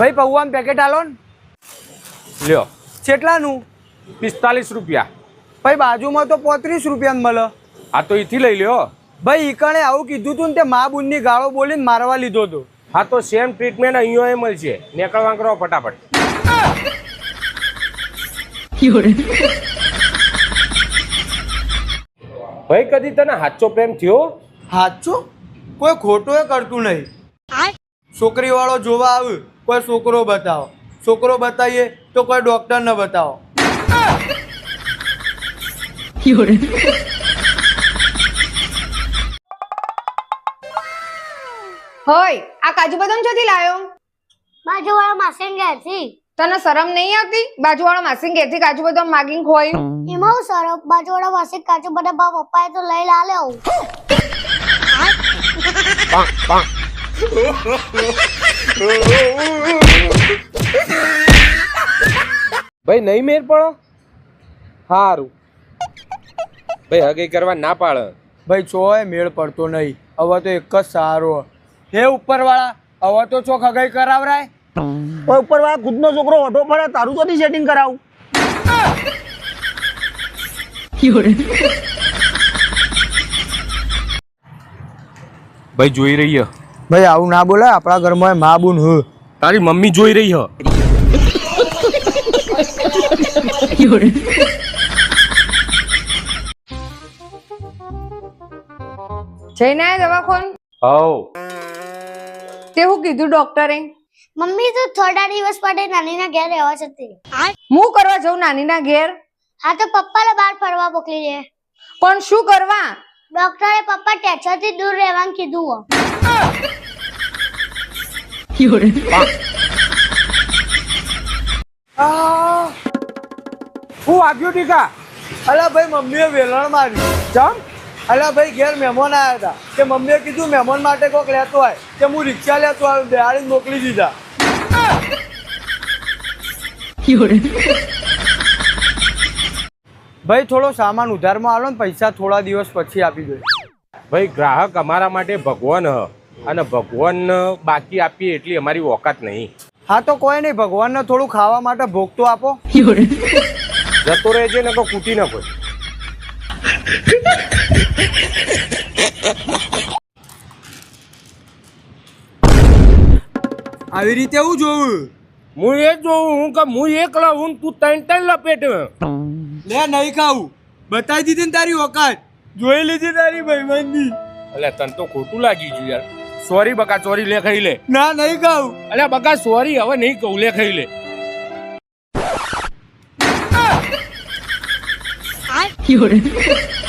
ભાઈ પૌવાનું પેકેટ આલો ને. લ્યો કેટલાનું? 45 રૂપિયા. ભાઈ બાજુમાં તો 35 રૂપિયાનું મળે. હા તો એથી લઈ લ્યો. ભાઈ ઈકણે આવું કીધું તું ને તે મા બુનની ગાળો બોલીને મારવા લીધો હતો. હા તો સેમ ટ્રીટમેન્ટ અહીંયા મળશે. નીકળવા કરો ફટાફટ. ભાઈ કદી તને સાચો પ્રેમ થયો? સાચું? કોઈ ખોટું એ કરતું નહીં. છોકરી વાળો જોવા આવે કોઈ છોકરો બતાવો, છોકરો બતાવીએ તો કોઈ ડોક્ટર ને બતાવો. હોય આ કાજુ બદામ ચોથી લાયો? બાજુવાળા માસીન ઘેરથી. તને શરમ નહીં આવતી? બાજુવાળા માસી ઘેરથી કાજુ બદામ માગીને ખોઈ. એમાં હું સરસ બાજુવાળા માસી કાજુ બધા પપ્પાએ તો લઈ લાલે આવું. ભાઈ નહીં મેર પડો. સારું ભાઈ હગઈ કરવા ના પાડે. ભાઈ ચોય મેળ પડતો નહીં. હવે તો એક જ સારો. હે ઉપરવાળા, હવે તો ચોક હગાઈ કરાવરાય. ઉપરવાળા ખુદનો છોકરો ઓઢો પડે તારું તો સેટિંગ કરાવું. ભાઈ જોઈ રહી હ. ભાઈ આવું ના બોલાય, આપણા ઘરમાં મા બુન હ. તારી મમ્મી જોઈ રહી હ. જઈને આયા દવાખાન? હવ તે હું કીધું ડોક્ટરે? મમ્મી તો થોડા દિવસ માટે નાનીના ઘેર રહેવા જતી. હું કરવા જાઉં નાનીના ઘેર? હા તો પપ્પાને બહાર ફરવા મોકલી દે. પણ શું કરવા? ડોક્ટરે પપ્પા ટેન્શનથી દૂર રહેવાનું કીધું. હું વાગ્યું ટીકા? અલા ભાઈ મમ્મીએ વેલણ માર્યું. ચમ? અલા ભાઈ ઘેર મહેમાન આવ્યા હતા કે મમ્મીએ કીધું મહેમાન માટે કોક લેતો હોય કે હું રિક્ષા લેતો આવ્યો, બેહાડીને મોકલી દીધા. ભાઈ થોડો સામાન ઉધારમાં આલો ને, પૈસા થોડા દિવસ પછી આપી દો. ભાઈ ગ્રાહક અમારા માટે ભગવાન હ અને ભગવાન બાકી આપીએ એટલી અમારી ઓકાત નહીં. હા તો કોઈ નહીં, ભગવાનને થોડું ખાવા માટે ભોગ તો આપો. જતો રહેજે ને તો કૂટી ન કોઈ. આવી રીતે હું જોવું? હું એ જોઉં હું કે હું એકલા હું તું ત્રણ ત્રણ લપેટ. લે નહીં ખાવું, બતાવી દીધી ને તારી ઓકાત, જોઈ લીધી તારી ભાઈબંધી. અલ્યા તને તો ખોટું લાગી ગયું યાર. સોરી બકા, સોરી લે ખાઈ લે. ના નહીં ખાવું. અલ્યા બકા સોરી, હવે નહીં કહું, લે ખાઈ લે. Fiore.